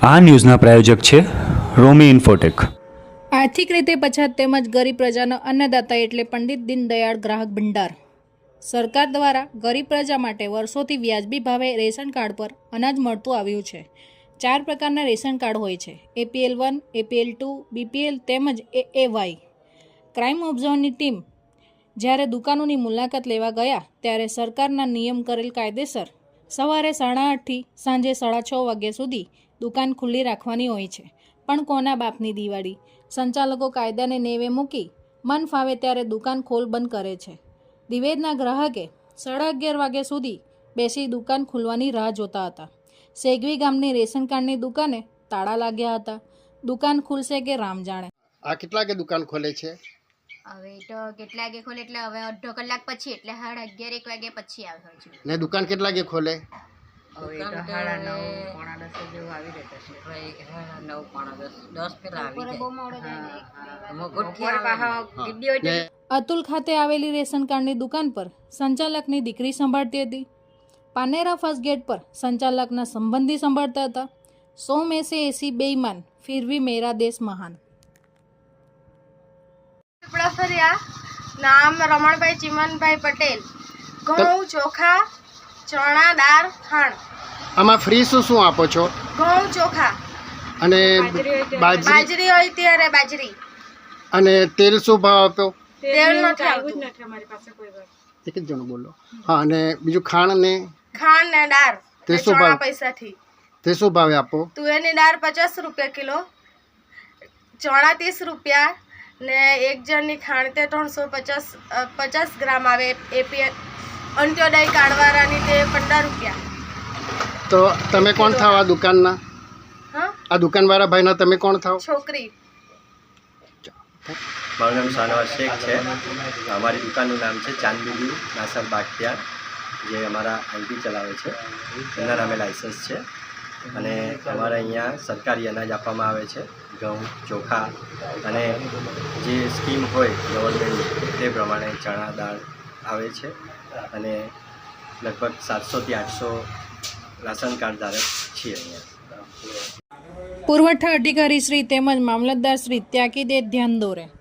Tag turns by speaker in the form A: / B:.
A: આ ન્યૂઝના પ્રાયોજક છે રોમી ઇન્ફોટેક।
B: આર્થિક રીતે પછાત તેમજ ગરીબ પ્રજાનો અન્નદાતા એટલે પંડિત દીનદયાળ ગ્રાહક ભંડાર। સરકાર દ્વારા ગરીબ પ્રજા માટે વર્ષોથી વ્યાજબી ભાવે રેશન કાર્ડ પર અનાજ મળતું આવ્યું છે। 4 પ્રકારના રેશન કાર્ડ હોય છે: APL 1, APL 2, BPL તેમજ AAY। ક્રાઇમ ઓબ્ઝર્વની ટીમ જ્યારે દુકાનોની મુલાકાત લેવા ગયા ત્યારે સરકારના નિયમ કરેલ કાયદેસર સવારે 8:30 થી સાંજે 6:30 વાગ્યા સુધી દુકાન ખુલ્લી રાખવાની હોય છે। પણ કોના બાપની દિવાળી? સંચાલકો કાયદાને નેવે મૂકી મન ફાવે ત્યારે દુકાન ખોલ બંધ કરે છે। દિવેદના ગ્રાહકે 11:30 વાગ્યા સુધી બેસી દુકાન ખુલવાની રાહ જોતા હતા। સેગવી ગામની રેશન કાર્ડની દુકાને તાળા લાગ્યા હતા। દુકાન ખુલશે કે રામ જાણે।
C: આ કેટલા વાગે દુકાન ખોલે છે?
D: હવે તો કેટલા વાગે ખોલે એટલે હવે અડધો કલાક પછી એટલે 11:30 1 વાગે પછી આવે હજુ।
C: ને દુકાન કેટલા વાગે ખોલે?
E: હવે તો 9:30 પોણા 10 જેવું આવી રહેતા છે। 9 પોણા 10 પેલા આવી જાય।
B: અતુલ ખાતે આવેલી રેશન કાર્ડની દુકાન પર સંચાલકની દીકરી સંભાળતી હતી। પાનેરા ફર્સ્ટ ગેટ પર સંચાલકના સંબંધી સંભાળતા હતા। 100 में से ऐसी बेईमान फिर भी मेरा देश महान।
F: નામ રમણભાઈ ચિમનભાઈ પટેલ। ઘઉં, ચોખા, ચણા, દાળ, ખાંડ।
C: આમાં ફ્રી શું શું આપો છો?
F: ઘઉં, ચોખા
C: અને
F: બાજરી હોય ત્યારે બાજરી।
C: અને તેલ શું ભાવ આપો?
F: તેલ નથી આવતું,
C: એક જ જણો બોલો। હા, અને બીજું ખાંડ ને
F: દાળ
C: તે શું ભાવ?
F: પૈસાથી
C: તે શું ભાવે આપો?
F: તુવેરની દાળ 50 રૂપિયા કિલો, ચણા 30 રૂપિયા ને એક જણની ખાંડ તે 350 ગ્રામ આવે। એપીએલ અંત્યોદય કાર્ડવાળાની તે 15 રૂપિયા।
C: તો તમે કોણ થાવ આ દુકાનના?
F: હા,
C: આ દુકાનવાળા ભાઈના તમે કોણ થાવ?
F: છોકરી।
G: મારું નામ શાનવાઝ શેખ છે। અમારી દુકાનનું નામ છે ચાંદબીબી નાસર બાગટિયાર, જે અમારા આંટી ચલાવે છે, એમના નામે લાઇસન્સ છે। અને અમારે અહીંયા સરકારી અનાજ આપવામાં આવે છે, ઘઉં, ચોખા અને જે સ્કીમ હોય ગવર્મેન્ટની તે પ્રમાણે ચણા દાળ આવે છે। અને લગભગ 700 થી 800 રાશન કાર્ડ ધારક છીએ અહીંયા।
B: પુરવઠા અધિકારી શ્રી તેમજ મામલતદાર શ્રી ત્યાકીદે ધ્યાન દોરે।